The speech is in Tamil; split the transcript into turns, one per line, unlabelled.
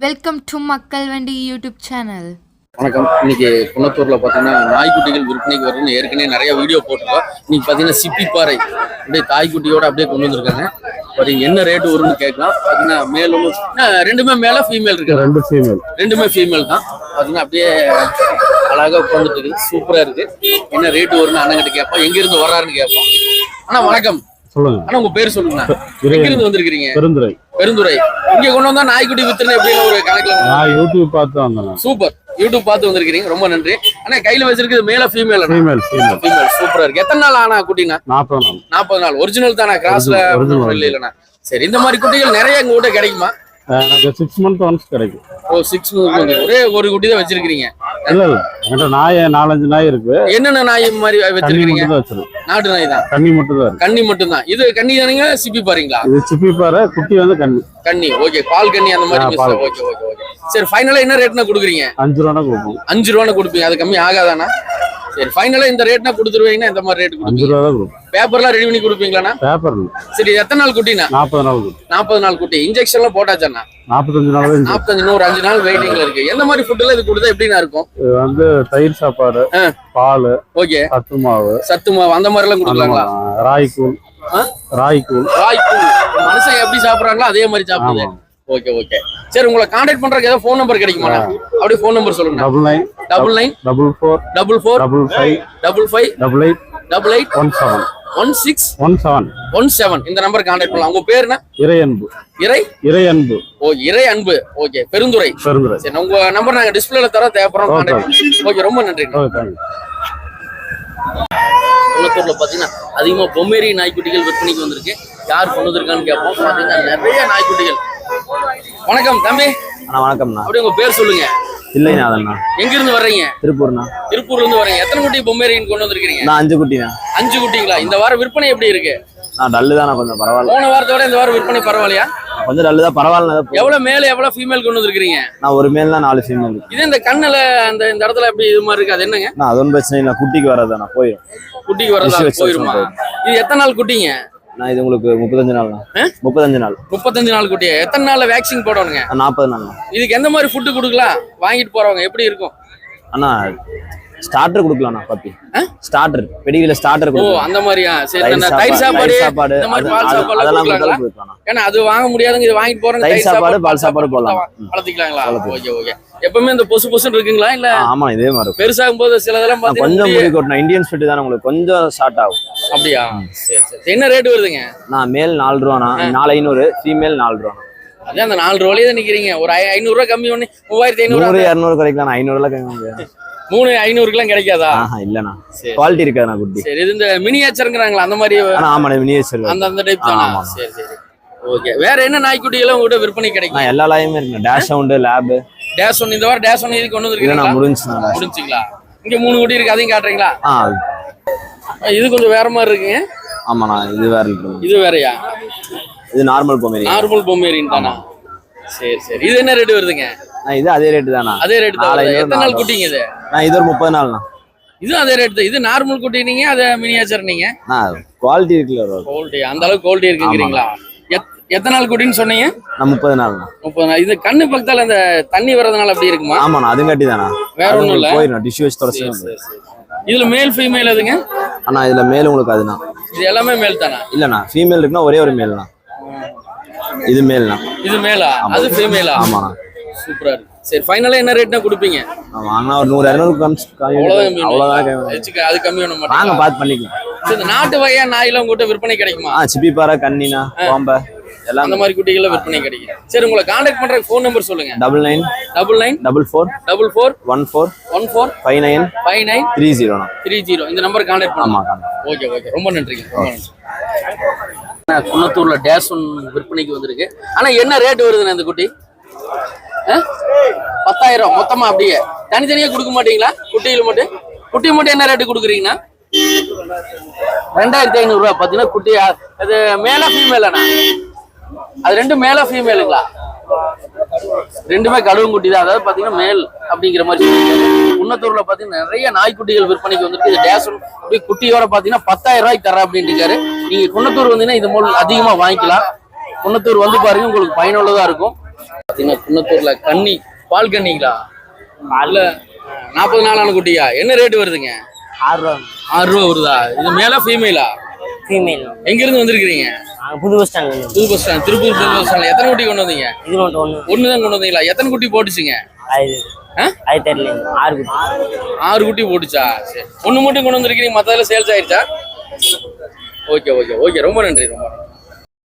வெல்கம் டு மக்கள் வண்டி யூடியூப் சேனல்.
வணக்கம். இன்னைக்கு குன்னத்தூர்ல பாத்தீங்கன்னா நாய்க்குட்டிகள் விற்பனைக்கு வரும்னு ஏற்கனவே நிறைய வீடியோ போட்டிருக்கோம். இன்னைக்கு பாத்தீங்கன்னா சிப்பிப்பாறை அப்படியே தாய்க்குட்டியோட அப்படியே கொண்டு வந்திருக்காங்க. என்ன ரேட்டு வரும்னு கேட்கலாம். பாத்தீங்கன்னா மேலும் ரெண்டுமே மேல ஃபீமேல் இருக்கு. ரெண்டுமே ஃபீமேல் தான். பாத்தீங்கன்னா அப்படியே அழகா உட்காந்துட்டு இருக்கு. சூப்பரா இருக்கு. என்ன ரேட்டு வரும்னு அண்ணன் கிட்ட கேட்போம். எங்க இருந்து வர்றாருன்னு கேட்போம். அண்ணா வணக்கம்.
சொல்லுங்க.
ஆனா உங்க பேர் சொல்லுங்க. எங்க இருந்து வந்திருக்கீங்க? பெருந்துறை. இங்க கொண்டு வந்தா நாய்க்குட்டி வித்துன்னு எப்படின்னு ஒரு கணக்குல
நான் யூடியூப் பார்த்து வந்தேன்.
சூப்பர். யூடியூப் பார்த்து வந்திருக்கீங்க, ரொம்ப நன்றி. ஆனா கையில வச்சிருக்கிறது மேல ஃபீமேல்?
ஃபீமேல்.
சூப்பரா இருக்கு. எத்தனை நாள் ஆனா குட்டினா? 40 நாள். ஒரிஜினல் தானா? கிராஸ்ல இல்லைன்னா? சரி. இந்த மாதிரி குட்டிகள் நிறைய எங்க கூட கிடைக்குமா?
எனக்கு 6 months ஒன்ஸ் கிடைக்கும்.
ஓ 6 months. ஒரே ஒரு குட்டி தான் வச்சிருக்கீங்க?
இல்ல என்கிட்ட நாய் 4-5 நாய் இருக்கு.
என்னென்ன நாய் மாதிரி வச்சிருக்கீங்க? நாட்டு நாய் தான்.
கன்னி மட்டும் தான்.
கன்னி மட்டும் தான். இது கன்னி தானீங்க? சிப்பி பாருங்களா?
இது சிப்பி பாரு. குட்டி வந்து கன்னி.
ஓகே. பால் கன்னி அந்த மாதிரி. ஓகே. சரி. ஃபைனலா என்ன ரேட்னா கொடுக்குறீங்க?
5 ரூபாய் கொடுப்போம்.
5 ரூபாய் கொடுப்பீங்க. அது கம்மி ஆகாதானா? சரி. ஃபைனலா இந்த ரேட்னா கொடுத்துருவீங்கன்னா இந்த மாதிரி ரேட் கொடுப்பீங்க?
5 ரூபாய் கொடுப்போம்.
பேப்பர்லாம் ரெடி பண்ணி கொடுப்பீங்களாண்ணா?
பேப்பர்.
சரி. எத்தனை நாள் குட்டினா?
40 நாள்.
40 நாள் குட்டி. இன்ஜெக்ஷன்லாம் போட்டாச்சாண்ணா?
45 நாள்.
45 ஒரு 5 நாள் வெயிட்டிங்ல இருக்கு. எந்த மாதிரி ஃபுட் எல்லாம் இது கொடுத்தா எப்படின்னா இருக்கும்?
இது வந்து தயிர் சாப்பாடு, பால்,
ஓகே,
சத்து மாவு
அந்த மாதிரி எல்லாம் கொடுக்கலாங்களா?
ராய்க்கூழ்.
மனுஷன் எப்படி சாப்பிடுறாங்களோ அதே மாதிரி சாப்பிடுது. ஓகே. சரி. உங்களை கான்டாக்ட் பண்றதுக்கு ஏதாவது ஃபோன் நம்பர் கிடைக்குமா? அப்படியே ஃபோன் நம்பர் சொல்லுங்க. 99 44 55 1617 இந்த நம்பர் கான்டாக்ட் பண்ணலாம். உங்க பேர் என்ன? இறையன்பு. ஓ இறையன்பு. ஓகே. பெருந்துறை. சரி. உங்க நம்பர் நாங்க டிஸ்பிளேல தர தேவைப்படுறோம். கான்டாக்ட். ஓகே. ரொம்ப நன்றி. குன்னத்தூர்ல பாத்தீங்கன்னா அதிகமா பொம்மேரி நாய்க்குட்டிகள் விற்பனைக்கு வந்திருக்கு. யார் கொண்டு வந்திருக்கான்னு கேட்போம். பாத்தீங்கன்னா நிறைய நாய்க்குட்டிகள். வணக்கம் தம்பி.
வணக்கம்ண்ணா.
அப்படி உங்க பேர் சொல்லுங்க.
இல்லைண்ணா. அதண்ணா.
எங்க இருந்து வர்றீங்க?
திருப்பூர்ண்ணா.
திருப்பூர்ல இருந்து வரீங்க. எத்தனை குட்டி பொம்மேரியன் கொண்டு வந்திருக்கீங்க?
நான் 5 குட்டிண்ணா.
5 குட்டிங்களா? இந்த வாரம் விற்பனை எப்படி இருக்கு?
நான் டல்லு தானே, கொஞ்சம் பரவாயில்ல.
போன வாரத்தோட இந்த வாரம் விற்பனை பரவாயில்லையா?
கொஞ்சம் டல்லு தான், பரவாயில்ல.
எவ்வளவு மேல எவ்வளவு ஃபீமேல் கொண்டு வந்திருக்கீங்க?
நான் ஒரு மேல் தான் 4 ஃபீமேல்.
இது இந்த கண்ணுல இந்த இடத்துல எப்படி இது மாதிரி இருக்கு? அது என்னங்க?
நான் அது ஒன்றும் பிரச்சனை இல்லை. குட்டிக்கு வரதாண்ணா போயிடும்.
குட்டிக்கு வரதா போயிருமா? இது எத்தனை நாள் குட்டிங்க?
நான் இது உங்களுக்கு 35 நாள். 35
நாள் குட்டியா? எத்தனை நாள்ல வேக்சின் போடணுங்க?
40 நாள்.
இதுக்கு எந்த மாதிரி ஃபுட்டு கொடுக்கலாம்? வாங்கிட்டு போறவங்க எப்படி இருக்கும்?
அண்ணா ஸ்டார்டர் கொடுக்கலாம்ண்ணா. பப்பி ஸ்டார்டர், பெடிகிரில ஸ்டார்டர்.
ஓ அந்த மாதிரியா? சரி. தயிர் சாப்பாடு இந்த மாதிரி பால் சாப்பாடு அதெல்லாம் கொடுக்கலாம். ஏன்னா அது வாங்க முடியாதுங்க. இது வாங்கிட்டு போறவங்க
தயிர் சாப்பாடு பால் சாப்பாடு போடலாம்.
வளர்த்திக்கலாங்களா? ஓகே. எப்பவுமே இந்த பொசு இருக்குங்களா? இல்ல
ஆமா இதே மாதிரி
பெருசாகும் போது சிலதெல்லாம்
கொஞ்சம் முடி கொட்டணும். இந்தியன் ஸ்பிட் தானே, உங்களுக்கு கொஞ்சம் ஷார்ட் ஆகும்.
அப்படியா? சரி. என்ன ரேட் வருதுங்க?
நான் மேல் 4 ரூபாண்ணா. 4500. ஃபீமேல் 4 ரூபா.
அதான் அந்த 4 ரூபாயிலே தான் நிக்கிறீங்க. ஒரு 500 ரூபாய் கம்மி பண்ணி 3500
200 கிடைக்கலாம். 500 எல்லாம் கம்மி முடியாது.
3,500 கிடைக்காதா?
இல்லண்ணா. குவாலிட்டி இருக்காதுண்ணா குட்டி.
சரி. இது இந்த மினியேச்சர்ங்கறாங்களா அந்த மாதிரி?
ஆமா மினியேச்சர்
அந்த டைப் தானா? சரி. ஓகே. வேற என்ன நாய்க்குட்டிகள் உங்ககிட்ட விற்பனை கிடைக்கும்?
எல்லா லாயுமே இருக்கு. Dachshund, lab.
Dash one இந்த வாரம் டேஷ் ஒன் இது கொண்டு வந்திருக்கீங்களா? முடிஞ்சுங்களா? இங்க 3 குட்டி இருக்கு. அதையும் காட்டுறீங்களா? இது கொஞ்சம் வேற மாதிரி இருக்குங்க.
ஆமாண்ணா. இது வேற இருக்கு.
இது வேறயா? இது
நார்மல்
பொமேரியன் தானா? சரி. இது என்ன ரேட் வருதுங்க?
இது அதே ரேட் தானா?
அதே ரேட் தான். எத்தனை நாள் குட்டிங்க இது?
இது ஒரு 30 நாள்ண்ணா.
இது அதே ரேட் தான். இது நார்மல் குட்டி நீங்க, அது மினியேச்சர் நீங்க.
குவாலிட்டி இருக்குல்ல.
குவாலிட்டி அந்த அளவுக்கு குவாலிட்டி இருக்குங்கறீங்களா? எத்தனை நாள் குட்டின்னு சொன்னீங்க?
30 நாள்ண்ணா.
30 நாள். இது கண்ணு பக்கத்தால அந்த தண்ணி வரதுனால அப்படி இருக்குமா?
ஆமாண்ணா. அதுவும் கட்டி தானா?
வேற ஒண்ணும் இல்ல.
போயிடும். டிஷ்யூ வச்சு தொடச்சு.
இதுல மேல் ஃபீமேல் எதுங்க?
அண்ணா இதுல மேல் உங்களுக்கு அதுனா.
இது எல்லாமே மேல் தானா?
இல்லண்ணா. ஃபீமேல் இருக்குன்னா ஒரே ஒரு மேல்ண்ணா. இது மேல்ண்ணா.
இது மேலா? அது ஃபீமேலா?
ஆமாண்ணா.
சூப்பரா இருக்கு. சரி. ஃபைனலா என்ன ரேட்னா கொடுப்பீங்க?
வாங்கினா ஒரு 100-200 அவ்வளவுதான்.
அது கம்மி பண்ண மாட்டாங்க.
வாங்க பார்த்து பண்ணிக்கலாம்.
இந்த நாட்டு வகையா நாயெல்லாம் உங்ககிட்ட விற்பனை கிடைக்குமா?
சிப்பிப்பாறை, கண்ணினா, பாம்பை எல்லாம்
அந்த மாதிரி குட்டிகள் விற்பனை கிடைக்கும். சரி. உங்களை கான்டாக்ட் பண்ற ஃபோன் நம்பர் சொல்லுங்க.
99 44 14 59 30.
இந்த நம்பர் கான்டாக்ட் பண்ணலாம். ஓகே. ரொம்ப நன்றிங்க. குன்னத்தூர்ல டேஷ் ஒன் விற்பனைக்கு வந்திருக்கு. ஆனா என்ன ரேட் வருதுண்ணா இந்த குட்டி? 10,000 மொத்தமா? அப்படியே தனித்தனியா கொடுக்க மாட்டீங்களா? குட்டி மட்டும் என்ன ரேட்டு கொடுக்குறீங்கன்னா? 2,500 ரூபாய். பாத்தீங்கன்னா குட்டி அது மேல ஃபீமேலாண்ணா? அது ரெண்டும் மேல ஃபீமேலுங்களா? ரெண்டுமே கழுவுங்குட்டி தான். அதாவது பாத்தீங்கன்னா மேல் அப்படிங்கிற மாதிரி சொல்லியிருக்காங்க. குன்னத்தூர்ல பாத்தீங்கன்னா நிறைய நாய்க்குட்டிகள் விற்பனைக்கு வந்துருக்கு. இது டேஷ் ஒன் குட்டியோட பாத்தீங்கன்னா 10,000 ரூபாய்க்கு தர அப்படின்னு இருக்காரு. நீங்க குன்னத்தூர் வந்தீங்கன்னா இது மூலம் அதிகமா வாங்கிக்கலாம். குன்னத்தூர் வந்து பாருங்க, உங்களுக்கு பயனுள்ளதா இருக்கும். பாத்தீங்கன்னா குன்னத்தூர்ல கன்னி பால் கன்னிங்களா இல்ல 40 நாளான குட்டியா என்ன ரேட் வருதுங்க?
6 ரூபா.
6 ரூபா வருதா? இது மேலா ஃபீமேலா?
ஃபீமேல்.
எங்க இருந்து வந்திருக்கீங்க?
புது பஸ் ஸ்டாண்ட்.
புது பஸ் ஸ்டாண்ட், திருப்பூர் புது பஸ் ஸ்டாண்ட்ல எத்தனை குட்டி கொண்டு வந்தீங்க?
இது மட்டும் ஒன்று
தான் கொண்டு வந்தீங்களா? எத்தனை குட்டி போட்டுச்சுங்க?
அது தெரியல. 6 குட்டி.
6 குட்டி போட்டுச்சா? சரி, ஒண்ணு மட்டும் கொண்டு வந்திருக்கீங்க, மத்ததெல்லாம் சேல்ஸ் ஆயிடுச்சா? ஓகே ஓகே ஓகே, ரொம்ப நன்றி ரொம்ப நன்றி.